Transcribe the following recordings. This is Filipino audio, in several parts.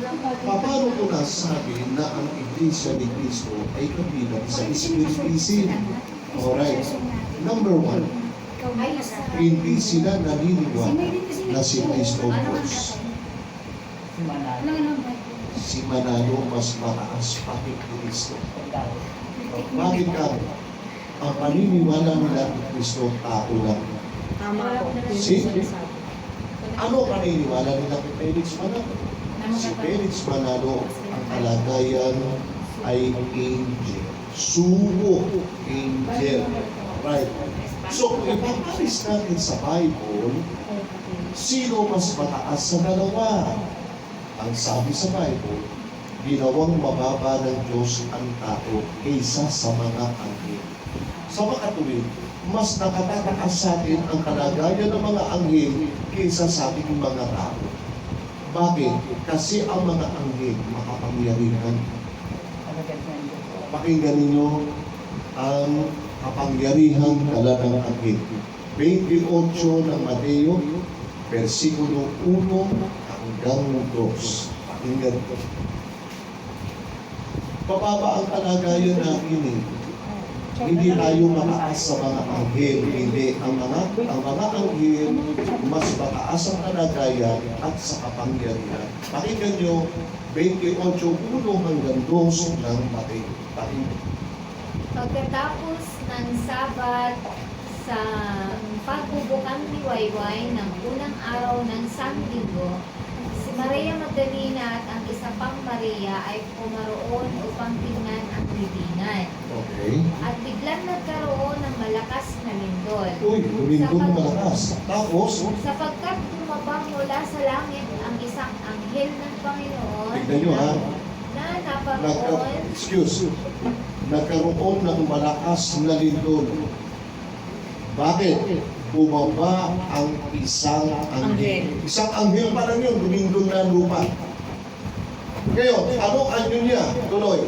Paano ko nasabi na ang Iglesia ni Cristo ay kabilang sa Espiritism? Alright. Number one, hindi sila naniniwala na si Cristo Diyos. Si Manalo mas mataas pa kay Cristo. Bakit ka? Ang paniniwala nila ni Cristo tao lang. Ano paniniwala nila kay Felix Manalo? Si Felix Manalo, ang kalagayan ay angel. Sugo, angel. Right. So, kung ipapalis natin sa Bible, sino mas mataas sa dalawa? Ang sabi sa Bible, ginawang mababa ng Diyos ang tao kaysa sa mga anghel. Sa makatuwid, mas nakatataas sa atin ang kalagayan ng mga anghel kaysa sa ating mga tao. Bakit? Kasi ang mga anghel makapangyarihan. Pakinggan ninyo ang kapangyarihan dala ng anghel. 28 ng Mateo, versikulo 1 hanggang 2. Pakinggan ko. Pababa ang kalagayan natin eh. Hindi tayo mataas sa mga anghel. Hindi. Ang mga anghel, mas mataas ang kalagayan at sa kapangyarihan. Pakinggan nyo, 28:1 hanggang 2 ng Mateo. Pakinggan. Pagkatapos ng Sabat sa pagbubukang liwayway ng unang araw ng Sanlinggo, si Maria Magdalena at ang isa pang Maria ay pumaroon upang tingnan ang libingan. Okay. At biglang nagkaroon ng malakas na lindol. Uy, lumindol malakas. Tapos, Sapagkat tumabang mula sa langit ang isang anghel ng Panginoon tignan nyo ha, na naparoon nagkaroon ng malakas na lindol. Bakit? Bumaba ang isang anghel. Isang anghel pa lang yun, lumindol na lupa. Ngayon, anong anyo niya? Tuloy.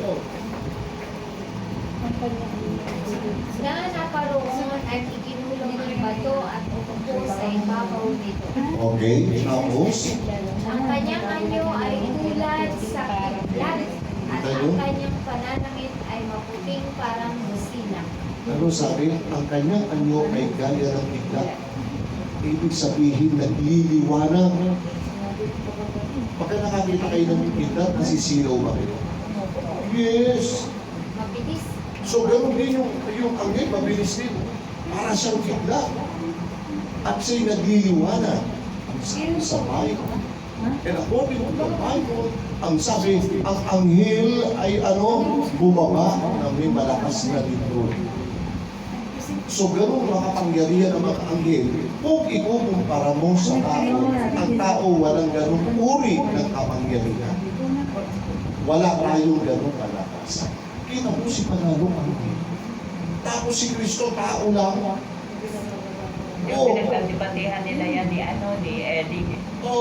na naparoon at ikinulong ang bato at upo sa ibabaw nito. Okay, tapos, Ang kanyang anyo ay tulad sa kidlat at ang kanyang pananangit ay maputing parang busina. ano sabi? Ang kanyang anyo ay gaya ng bigla. Ibig sabihin, nagliliwanag. Pagka nakakita kayo ng bigla, nasisilaw ba kayo? Yes! Mabilis. So, ganoon din yung anghel, mabilis din. Para siyang bigla. At siya'y nagliliwanag. Ang sabi sa Bible. And according to the Bible, ang sabi, ang anghel ay bumaba na may malakas na lindol. So, ganoon makapangyarihan ang mga anghel. Kung ikukumpara mo sa tao, ang tao walang ganoong uri ng kapangyarihan. Wala tayong ganoong malakas. Kita mo si Manalo anghel. Tapos si Kristo, tao lang. Yung pinagdebatihan nila yan ni Eddie.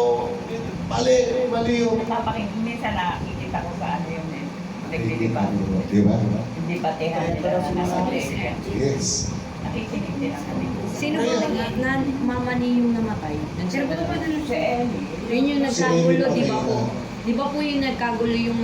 Mali yung... Minsan nakikita ko sa yung nagdidebate. Diba? Hindi batihan nila na nasa Yes. nakikinig din ang kami. Sino po na mama ni yung namatay? Sino ba naman si Ellie? Yun yung nagkagulo, di ba po? Di ba po yung nagkagulo yung